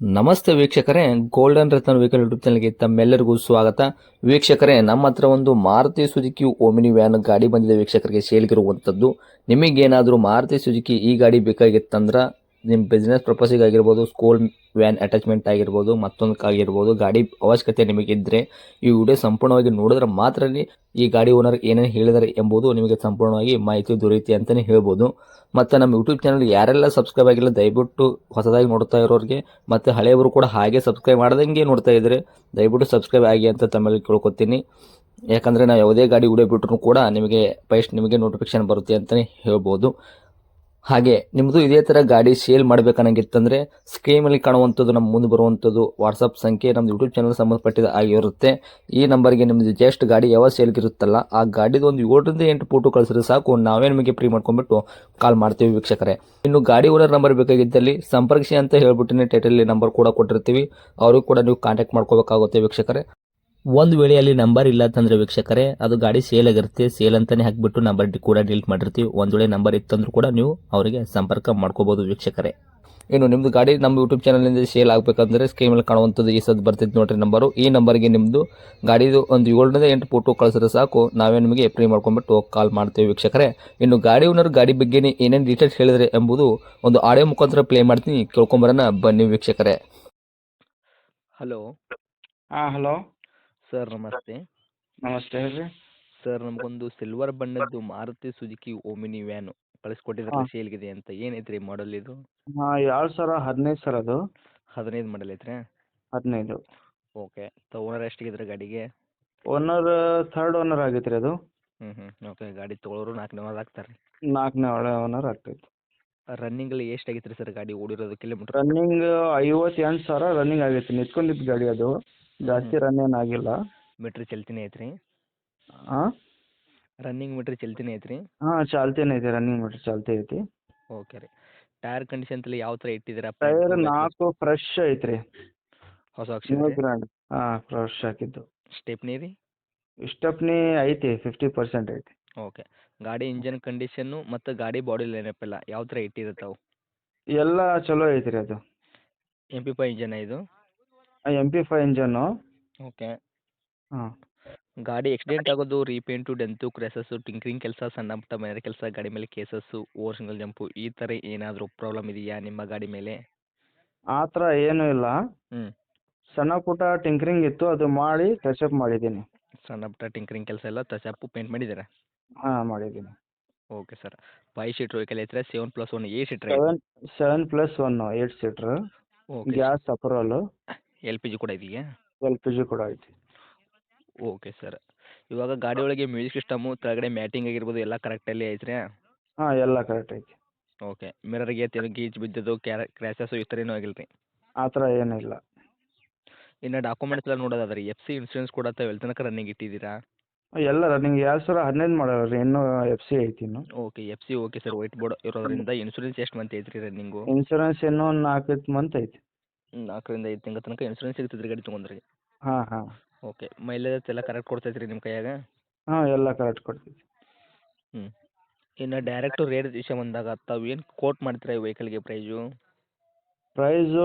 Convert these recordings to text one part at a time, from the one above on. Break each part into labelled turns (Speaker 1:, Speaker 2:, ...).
Speaker 1: ನಮಸ್ತೆ ವೀಕ್ಷಕರೇ, ಗೋಲ್ಡನ್ ರತ್ನ vehicle YouTube ಚಾನಲ್ಗೆ ತಮ್ಮೆಲ್ಲರಿಗೂ ಸ್ವಾಗತ. ವೀಕ್ಷಕರೇ, ನಮ್ಮ ಹತ್ರ ಒಂದು ಮಾರುತಿ ಸುಜುಕಿ ಓಮಿನಿ ವ್ಯಾನ್ ಗಾಡಿ ಬಂದಿದೆ ವೀಕ್ಷಕರಿಗೆ ಸೇಲ್ಗಿರುವಂಥದ್ದು. ನಿಮಗೇನಾದರೂ ಮಾರುತಿ ಸುಜುಕಿ ಈ ಗಾಡಿ ಬೇಕಾಗಿತ್ತಂದ್ರೆ ನಿಮ್ಮ ಬಿಸ್ನೆಸ್ ಪರ್ಪಸಿಗೆ ಆಗಿರ್ಬೋದು, ಸ್ಕೂಲ್ ವ್ಯಾನ್ ಅಟ್ಯಾಚ್ಮೆಂಟ್ ಆಗಿರ್ಬೋದು, ಮತ್ತೊಂದಕ್ಕಾಗಿರ್ಬೋದು, ಗಾಡಿ ಅವಶ್ಯಕತೆ ನಿಮಗಿದ್ದರೆ ಈ ವಿಡಿಯೋ ಸಂಪೂರ್ಣವಾಗಿ ನೋಡಿದ್ರೆ ಮಾತ್ರ ಈ ಗಾಡಿ ಓನರ್ ಏನೇನು ಹೇಳಿದ್ದಾರೆ ಎಂಬುದು ನಿಮಗೆ ಸಂಪೂರ್ಣವಾಗಿ ಮಾಹಿತಿ ದೊರೆಯುತ್ತೆ ಅಂತಲೇ ಹೇಳ್ಬೋದು. ಮತ್ತು ನಮ್ಮ ಯೂಟ್ಯೂಬ್ ಚಾನಲ್ ಯಾರೆಲ್ಲ ಸಬ್ಸ್ಕ್ರೈಬ್ ಆಗಿಲ್ಲ ದಯವಿಟ್ಟು ಹೊಸದಾಗಿ ನೋಡ್ತಾ ಇರೋರಿಗೆ ಮತ್ತು ಹಳೆಯವರು ಕೂಡ ಹಾಗೆ ಸಬ್ಸ್ಕ್ರೈಬ್ ಮಾಡ್ದಂಗೆ ನೋಡ್ತಾ ಇದ್ದರೆ ದಯವಿಟ್ಟು ಸಬ್ಸ್ಕ್ರೈಬ್ ಆಗಿ ಅಂತ ತಮ್ಮಲ್ಲಿ ಕೇಳ್ಕೊತೀನಿ. ಯಾಕಂದರೆ ನಾವು ಯಾವುದೇ ಗಾಡಿ ವಿಡಿಯೋ ಬಿಟ್ಟರು ಕೂಡ ನಿಮಗೆ ನೋಟಿಫಿಕೇಶನ್ ಬರುತ್ತೆ ಅಂತಲೇ ಹೇಳ್ಬೋದು. ಹಾಗೆ ನಿಮ್ಮದು ಇದೇ ಥರ ಗಾಡಿ ಸೇಲ್ ಮಾಡಬೇಕನ್ನಂಗಿತ್ತಂದರೆ ಸ್ಕ್ರೀನಲ್ಲಿ ಕಾಣುವಂಥದ್ದು ನಮ್ಮ ಮುಂದೆ ಬರುವಂಥದ್ದು ವಾಟ್ಸಪ್ ಸಂಖ್ಯೆ ನಮ್ಮ ಯೂಟ್ಯೂಬ್ ಚಾನಲ್ ಸಂಬಂಧಪಟ್ಟಿದ ಆಗಿರುತ್ತೆ. ಈ ನಂಬರ್ಗೆ ನಿಮ್ಮದು ಜಸ್ಟ್ ಗಾಡಿ ಯಾವ ಸೇಲ್ಗಿರುತ್ತಲ್ಲ ಆ ಗಾಡಿದು ಒಂದು 7 ರಿಂದ 8 ಫೋಟೋ ಕಳಿಸಿದ್ರೆ ಸಾಕು, ನಾವೇ ನಿಮಗೆ ಫ್ರೀ ಮಾಡ್ಕೊಂಡ್ಬಿಟ್ಟು ಕಾಲ್ ಮಾಡ್ತೀವಿ ವೀಕ್ಷಕರೇ. ಇನ್ನು ಗಾಡಿ ಓನರ್ ನಂಬರ್ ಬೇಕಾಗಿದ್ದಲ್ಲಿ ಸಂಪರ್ಕಿಸಿ ಅಂತ ಹೇಳ್ಬಿಟ್ಟಿನಿ, ಟೈಟಲ್ ನಂಬರ್ ಕೂಡ ಕೊಟ್ಟಿರ್ತೀವಿ, ಅವ್ರಿಗೂ ಕೂಡ ನೀವು ಕಾಂಟ್ಯಾಕ್ಟ್ ಮಾಡ್ಕೋಬೇಕಾಗುತ್ತೆ ವೀಕ್ಷಕರೇ. ಒಂದು ವೇಳೆ ಅಲ್ಲಿ ನಂಬರ್ ಇಲ್ಲ ಅಂತಂದ್ರೆ ವೀಕ್ಷಕರೇ ಅದು ಗಾಡಿ ಸೇಲ್ ಆಗಿರುತ್ತೆ, ಸೇಲ್ ಅಂತಾನೆ ಹಾಕಿಬಿಟ್ಟು ನಂಬರ್ ಕೂಡ ಡಿಲೀಟ್ ಮಾಡಿರ್ತೀವಿ. ಒಂದು ವೇಳೆ ನಂಬರ್ ಇತ್ತಂದ್ರೂ ಕೂಡ ನೀವು ಅವರಿಗೆ ಸಂಪರ್ಕ ಮಾಡ್ಕೋಬಹುದು ವೀಕ್ಷಕರೇ. ಇನ್ನು ನಿಮ್ಮದು ಗಾಡಿ ನಮ್ಮ ಯೂಟ್ಯೂಬ್ ಚಾನಲ್ನಿಂದ ಸೇಲ್ ಆಗಬೇಕಂದ್ರೆ ಸ್ಕ್ರೀನ್ ಮೇಲೆ ಕಾಣುವಂಥದ್ದು ಈ ಸದ್ ಬರ್ತಿದ್ದು ನೋಡ್ರಿ ನಂಬರು. ಈ ನಂಬರ್ಗೆ ನಿಮ್ಮದು ಗಾಡಿದು ಒಂದು 7 ರಿಂದ 8 ಫೋಟೋ ಕಳಿಸಿದ್ರೆ ಸಾಕು, ನಾವೇ ನಿಮಗೆ ಫ್ರೀ ಮಾಡ್ಕೊಂಡ್ಬಿಟ್ಟು ಕಾಲ್ ಮಾಡ್ತೀವಿ ವೀಕ್ಷಕರೇ. ಇನ್ನು ಗಾಡಿ ಓನರ್ ಗಾಡಿ ಬಗ್ಗೆ ಏನೇನು ಡೀಟೇಲ್ಸ್ ಹೇಳಿದ್ರೆ ಎಂಬುದು ಒಂದು ಆಡಿಯೋ ಮುಖಾಂತರ ಪ್ಲೇ ಮಾಡ್ತೀನಿ, ಕೇಳ್ಕೊಂಬರೋಣ ಬನ್ನಿ ವೀಕ್ಷಕರೇ. ಹಲೋ
Speaker 2: ಹಲೋ
Speaker 1: ಸರ್, ನಮಸ್ತೆ.
Speaker 2: ನಮಸ್ತೆ ಹೇಳ್ರಿ.
Speaker 1: ಸರ್, ನಮಗೊಂದು ಸಿಲ್ವರ್ ಬಣ್ಣದ್ದು ಮಾರುತಿ ಸುಜುಕಿ ಓಮಿನಿ ವ್ಯಾನು ಕಳಿಸ್ಕೊಟ್ಟಿದ್ರಲ್ಲ ಸೇಲ್ಗಿದೆ ಅಂತ, ಏನೈತ್ರಿ ಮಾಡಲ್ ಇದು?
Speaker 2: 2015 ಸರ್ ಅದು.
Speaker 1: 15 ಮಾಡಲ್ ಐತ್ರಿ?
Speaker 2: 15.
Speaker 1: ಓಕೆ. ಓನರ್ ಎಷ್ಟಿಗಿದ್ರೆ ಗಾಡಿಗೆ?
Speaker 2: ಓನರ್ ಥರ್ಡ್ ಓನರ್ ಆಗೈತೆ ರೀ ಅದು.
Speaker 1: ಓಕೆ. ಗಾಡಿ ತೊಗೊಳೋರು 4ನೇ ಓನರ್ ಆಗ್ತಾರೆ.
Speaker 2: 4ನೇ ಓನರ್ ಆಗ್ತೈತಿ.
Speaker 1: ರನ್ನಿಂಗಲ್ಲಿ ಎಷ್ಟು ಆಗೈತ್ರಿ ಸರ್ ಗಾಡಿ ಓಡಿರೋದು ಕಿಲೋಮೀಟ್ರ್?
Speaker 2: ರನ್ನಿಂಗ್ 58,000 ರನ್ನಿಂಗ್ ಆಗೈತಿ. ನಿಂತ್ಕೊಂಡಿದ್ದು ಗಾಡಿ ಅದು, ಜಾಸ್ತಿ ರನ್ ಏನಾಗಿಲ್ಲ.
Speaker 1: ಮೀಟ್ರ್ ಚಲ್ತಿನೇ ಐತ್ರಿ?
Speaker 2: ಹಾಂ
Speaker 1: ರನ್ನಿಂಗ್ ಮೀಟ್ರ್ ಚಲ್ತಿನೇ ಐತ್ರಿ?
Speaker 2: ಚಾಲ್ತಿನೇ ಐತಿ, ರನ್ನಿಂಗ್ ಮೀಟರ್ ಚಾಲ್ತಿ ಐತಿ.
Speaker 1: ಓಕೆ ರೀ. ಟೈರ್ ಕಂಡೀಷನ್ ತಲೆ ಯಾವ ಥರ ಇಟ್ಟಿದ್ದೀರಾ?
Speaker 2: ಟೈರ್ 4 ಫ್ರೆಶ್ ಐತ್ರಿ,
Speaker 1: ಹೊಸ
Speaker 2: ನ್ಯೂ
Speaker 1: ಅಕ್ಷರ?
Speaker 2: ಬ್ರ್ಯಾಂಡ್. ಫ್ರೆಶ್ ಹಾಕಿದ್ದು.
Speaker 1: ಸ್ಟೆಪ್ನಿ ರೀ?
Speaker 2: ಸ್ಟೆಪ್ನಿ ಐತಿ, 50% ಐತಿ.
Speaker 1: ಓಕೆ. ಗಾಡಿ ಇಂಜನ್ ಕಂಡೀಷನ್ನು ಮತ್ತು ಗಾಡಿ ಬಾಡಿ ಲೈನಪ್ ಎಲ್ಲ ಯಾವ ಥರ ಇಟ್ಟಿರುತ್ತಾವೆ?
Speaker 2: ಎಲ್ಲ ಚಲೋ ಐತ್ರಿ ಅದು.
Speaker 1: MP5 ಇಂಜನ್ ಇದು?
Speaker 2: MP5 ಇಂಜನ್ನು.
Speaker 1: ಓಕೆ.
Speaker 2: ಹಾಂ
Speaker 1: ಗಾಡಿ ಆಕ್ಸಿಡೆಂಟ್ ಆಗೋದು, ರೀಪೇಂಟು, ಡೆಂತು, ಕ್ರ್ಯಾಸಸ್ಸು, ಟಿಂಕ್ರಿಂಗ್ ಕೆಲಸ, ಸಣ್ಣ ಪುಟ್ಟ ಮನೆ ಕೆಲಸ, ಗಾಡಿ ಮೇಲೆ ಕೇಸಸ್ಸು, ಓವರ್ ಸಿಂಗಲ್ ಜಂಪು, ಈ ಥರ ಏನಾದರೂ ಪ್ರಾಬ್ಲಮ್ ಇದೆಯಾ ನಿಮ್ಮ ಗಾಡಿ ಮೇಲೆ?
Speaker 2: ಆ ಥರ ಏನೂ ಇಲ್ಲ.
Speaker 1: ಹ್ಞೂ.
Speaker 2: ಸಣ್ಣ ಪುಟ್ಟ ಟಿಂಕರಿಂಗ್ ಇತ್ತು, ಅದು ಮಾಡಿ ಟಚಪ್ ಮಾಡಿದ್ದೀನಿ.
Speaker 1: ಸಣ್ಣ ಪುಟ್ಟ ಟಿಂಕ್ರಿಂಗ್ ಕೆಲಸ ಎಲ್ಲ ಟಚಪ್ಪು ಪೇಂಟ್ ಮಾಡಿದ್ದೀರಾ?
Speaker 2: ಮಾಡಿದ್ದೀನಿ.
Speaker 1: Okay sir. 5 ಸೀಟ್ರ್ ವೆಹಿಕಲ್ ಐತ್ರಾ? 7+1 8 seater?
Speaker 2: 7+1 8 seater.
Speaker 1: Okay.
Speaker 2: Gas approval.
Speaker 1: LPG ಕೂಡ ಇದೆಯಾ?
Speaker 2: LPG ಕೂಡ ಐತಿ.
Speaker 1: Okay sir. ಇವಾಗ ಗಾಡಿ ಒಳಗೆ ಮ್ಯೂಸಿಕ್ ಸಿಸ್ಟಮು, ಕೆಳಗಡೆ ಮ್ಯಾಟಿಂಗ್ ಆಗಿರ್ಬೋದು ಎಲ್ಲ ಕರೆಕ್ಟಲ್ಲಿ ಐತ್ರಾ?
Speaker 2: ಎಲ್ಲ ಕರೆಕ್ಟ್ ಐತಿ.
Speaker 1: ಓಕೆ. ಮಿರರ್ಗೆ ಗೀಚ್ ಬಿದ್ದದ್ದು, ಕ್ರ್ಯಾಶಸ್ಸು ಈ ಥರ ಏನೂ ಆಗಿಲ್ಲ ರೀ?
Speaker 2: ಆ ಥರ ಏನೂ ಇಲ್ಲ.
Speaker 1: ಇನ್ನು ಡಾಕ್ಯುಮೆಂಟ್ಸ್ ಎಲ್ಲ ನೋಡೋದಾದ್ರೆ FC ಇನ್ಸೂರೆನ್ಸ್ ಕೂಡ ತಾವು ಎಲ್ಲಿ ತನಕ ರನ್ನಿಂಗ್ ಇಟ್ಟಿದ್ದೀರಾ?
Speaker 2: ಎಲ್ಲ ರನ್ನಿಂಗ್ 2015 ಮಾಡಲ್ಲ ರೀ, ಇನ್ನೂ FC ಐತಿ ಇನ್ನು.
Speaker 1: Okay. FC okay sir. White board ಇರೋದ್ರಿಂದ ಇನ್ಸೂರೆನ್ಸ್ ಎಷ್ಟು ಮಂತ್ ಐತ್ರಿ ರನ್ನಿಂಗು?
Speaker 2: ಇನ್ಸೂರೆನ್ಸ್ ಇನ್ನೂ ಒಂದು 4 ಮಂತ್ ಐತಿ.
Speaker 1: 4ರಿಂದ 5 ತಿಂಗಳ ತನಕ ಇನ್ಸೂರೆನ್ಸ್ ಸಿಗ್ತದೆ ಗಾಡಿ ತೊಗೊಂಡ್ರೆ?
Speaker 2: ಹಾಂ.
Speaker 1: ಓಕೆ. ಮೈಲೇಜ್ ಎಲ್ಲ ಕರೆಕ್ಟ್ ಕೊಡ್ತೈತೆ ರೀ ನಿಮ್ಮ ಕೈಯಾಗ?
Speaker 2: ಎಲ್ಲ ಕರೆಕ್ಟ್ ಕೊಡ್ತೈತಿ.
Speaker 1: ಹ್ಞೂ. ಇನ್ನು ಡೈರೆಕ್ಟು ರೇಟ್ ವಿಷಯ ಬಂದಾಗ ತಾವು ಏನು ಕೋಟ್ ಮಾಡ್ತೀರಾ ಈ ವೆಹಿಕಲ್ಗೆ ಪ್ರೈಸು?
Speaker 2: ಪ್ರೈಸು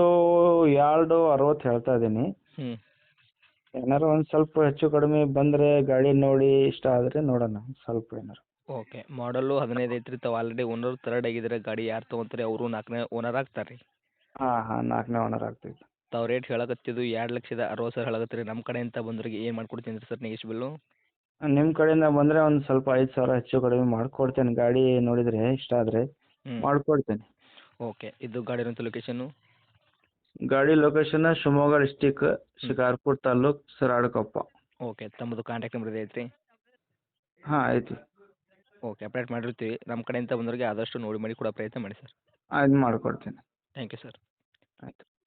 Speaker 2: 260 ಹೇಳ್ತಾ ಇದ್ದೀನಿ.
Speaker 1: ಹ್ಞೂ.
Speaker 2: ಏನಾರು ಒಂದು ಸ್ವಲ್ಪ ಹೆಚ್ಚು ಕಡಿಮೆ ಬಂದರೆ ಗಾಡಿ ನೋಡಿ ಇಷ್ಟ ಆದರೆ ನೋಡೋಣ, ಸ್ವಲ್ಪ ಏನಾರು.
Speaker 1: ಓಕೆ. ಮಾಡಲು 15 ಐತ್ರಿ, ತಾವು ಆಲ್ರೆಡಿ ಓನರ್ ಥರ್ಡ್ ಆಗಿದ್ದಾರೆ. ಗಾಡಿ ಯಾರು ತೊಗೊಂತಾರೆ ಅವರು 4ನೇ ಓನರ್ ಆಗ್ತಾರೆ ರೀ?
Speaker 2: ಹಾಂ 4ನೇ ಓನರ್ ಆಗ್ತೈತಿ.
Speaker 1: ತಾವು ರೇಟ್ ಹೇಳಕತ್ತಿದ್ದು 2,60,000 ಹೇಳಕತ್ತೀರಿ. ನಮ್ಮ ಕಡೆಯಿಂದ ಬಂದವರಿಗೆ ಏನು ಮಾಡ್ಕೊಡ್ತೀನಿ ಸರ್ ನೆಗೆಶ್ಬಿಲ್ಲು?
Speaker 2: ನಿಮ್ಮ ಕಡೆಯಿಂದ ಬಂದರೆ ಒಂದು ಸ್ವಲ್ಪ 5,000 ಹೆಚ್ಚು ಕಡಿಮೆ ಮಾಡಿಕೊಡ್ತೇನೆ. ಗಾಡಿ ನೋಡಿದರೆ ಇಷ್ಟ ಆದರೆ ಮಾಡಿಕೊಡ್ತೇನೆ.
Speaker 1: ಓಕೆ. ಇದು ಗಾಡಿ ಇರೋಂಥ ಲೊಕೇಶನ್ನು?
Speaker 2: ಗಾಡಿ location Shivamogga district, Shikarpura taluk, Saradakoppa.
Speaker 1: Okay. ತಮ್ಮದು ಕಾಂಟ್ಯಾಕ್ಟ್ ನಂಬರ್ ಇದೆ ಐತ್ರಿ?
Speaker 2: ಐತಿ.
Speaker 1: ಓಕೆ. ಅಪ್ಡೇಟ್ ಮಾಡಿರ್ತೀವಿ. ನಮ್ಮ ಕಡೆಯಿಂದ ಬಂದವರಿಗೆ ಆದಷ್ಟು ನೋಡಿ ಮಾಡಿ ಕೊಡೋ ಪ್ರಯತ್ನ ಮಾಡಿ ಸರ್.
Speaker 2: ಅದು ಮಾಡಿಕೊಡ್ತೀನಿ.
Speaker 1: Thank you sir.
Speaker 2: ಆಯ್ತು.